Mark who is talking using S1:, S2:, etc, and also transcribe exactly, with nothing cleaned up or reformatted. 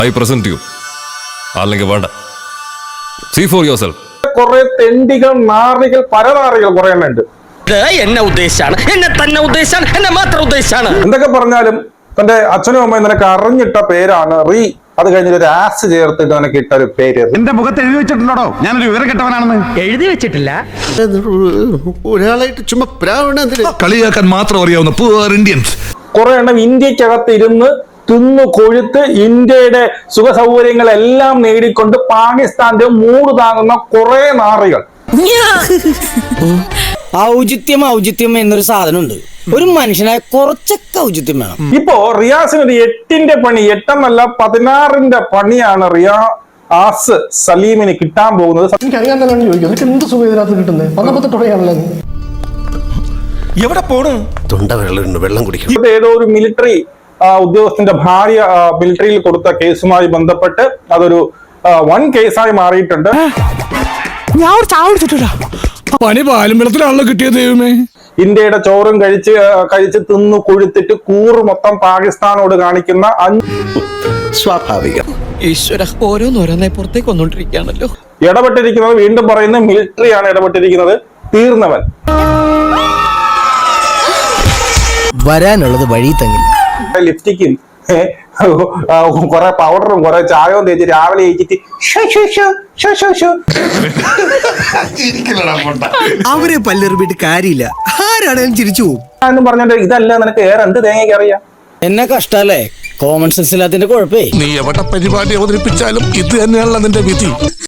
S1: I present you. അല്ലെങ്കിൽ വേണ്ട. See for yourself.
S2: കുറെ തെണ്ടികൾ, നാറികൾ, പരനാറികൾ കുറെ എണ്ണം ഉണ്ട്.
S3: എന്നെ ഉദ്ദേശാണ്, എന്നെ തന്നെ ഉദ്ദേശാണ്, എന്നെ മാത്രം ഉദ്ദേശാണ്.
S2: എന്തൊക്കെ പറഞ്ഞാലും തന്റെ അച്ഛനും അമ്മയും നിനക്ക് അറിഞ്ഞിട്ട പേരാണ് റീ. അത് കഴിഞ്ഞിട്ട് ഒരു ആസ് ചേർത്തിട്ട് നിനക്ക് ഇട്ട ഒരു പേര്.
S4: എന്റെ മുഖത്ത് എഴുതി വെച്ചിട്ടുണ്ടോ ഞാനൊരു വിവരം കെട്ടവനാണെന്ന്?
S3: എഴുതി വെച്ചിട്ടില്ല.
S5: ഒരാളായിട്ട് ചുമ്മാ
S6: കളിയാക്കാൻ മാത്രം അറിയാവുന്ന പൂർ ഇന്ത്യൻസ്
S2: കുറെ എണ്ണം ഇന്ത്യക്കകത്ത് ഇരുന്ന് തിന്നു കൊഴുത്ത് ഇന്ത്യയുടെ സുഖ സൗകര്യങ്ങളെല്ലാം നേടിക്കൊണ്ട് പാകിസ്ഥാന്റെ മൂട് താങ്ങുന്ന കുറെ നാറികൾ.
S7: ഔചിത്യം ഔചിത്യം എന്നൊരു സാധനമുണ്ട്. ഒരു മനുഷ്യനായ കുറച്ചൊക്കെ ഔചിത്യം വേണം.
S2: ഇപ്പോ റിയാസിന് ഒരു എട്ടിന്റെ പണി, എട്ടെന്നല്ല പതിനാറിന്റെ പണിയാണ് റിയാ ആസ് സലീമിന് കിട്ടാൻ പോകുന്നത്.
S8: എനിക്കറിയാൻ തന്നെ ചോദിക്കും, എന്ത് സുഖം ഇതിനകത്ത് കിട്ടുന്നത്? പന്ത്രണ്ടത്തോടെയാണല്ലോ.
S5: എവിടെ പോണു? തൊണ്ട വെള്ളം വെള്ളം കുടിക്കും.
S2: ഏതോ ഒരു മിലിറ്ററി ഉദ്യോഗസ്ഥന്റെ ഭാര്യ മിലിറ്ററിയിൽ കൊടുത്ത കേസുമായി ബന്ധപ്പെട്ട് അതൊരു വൺ കേസായി മാറിയിട്ടുണ്ട്.
S6: ഞാൻ പണി പാലും വെള്ളത്തിലാണല്ലോ കിട്ടിയത്. ദൈവമേ,
S2: ഇന്ത്യയുടെ ചോറും കഴിച്ച് കഴിച്ച് തിന്നു കൊഴുത്തിട്ട് കൂറ് മൊത്തം പാകിസ്ഥാനോട് കാണിക്കുന്ന
S5: സ്വാഭാവികം.
S3: ഈശ്വര, ഓരോന്നോരോന്നെ പുറത്തേക്ക് വന്നോണ്ടിരിക്കുകയാണല്ലോ.
S2: ഇടപെട്ടിരിക്കുന്നത്, വീണ്ടും പറയുന്ന മിലിറ്ററിയാണ് ഇടപെട്ടിരിക്കുന്നത്. തീർന്നവൻ.
S7: വരാനുള്ളത് വഴി തങ്ങില്ല.
S2: ലിപ്സ്റ്റിക്കും കുറെ പൗഡറും കുറെ ചായവും തേച്ച് രാവിലെ കഴിച്ചിട്ട്
S5: അവരെ പല്ലെറിഞ്ഞിട്ട് കാര്യമില്ല. ആരാണേലും ചിരിച്ചു പോകും
S2: എന്നും പറഞ്ഞിട്ട് ഇതല്ല നിനക്ക് ഏറെ എന്ത് തേങ്ങയ്ക്ക് അറിയാം.
S7: എന്നെ കഷ്ടല്ലേ, കോമൺ സെൻസ് ഇല്ലാത്തതിന്റെ കുഴപ്പേ.
S6: നീ എവിടെ പരിപാടി അവതരിപ്പിച്ചാലും ഇത് തന്നെയാണല്ലോ നിന്റെ വിധി.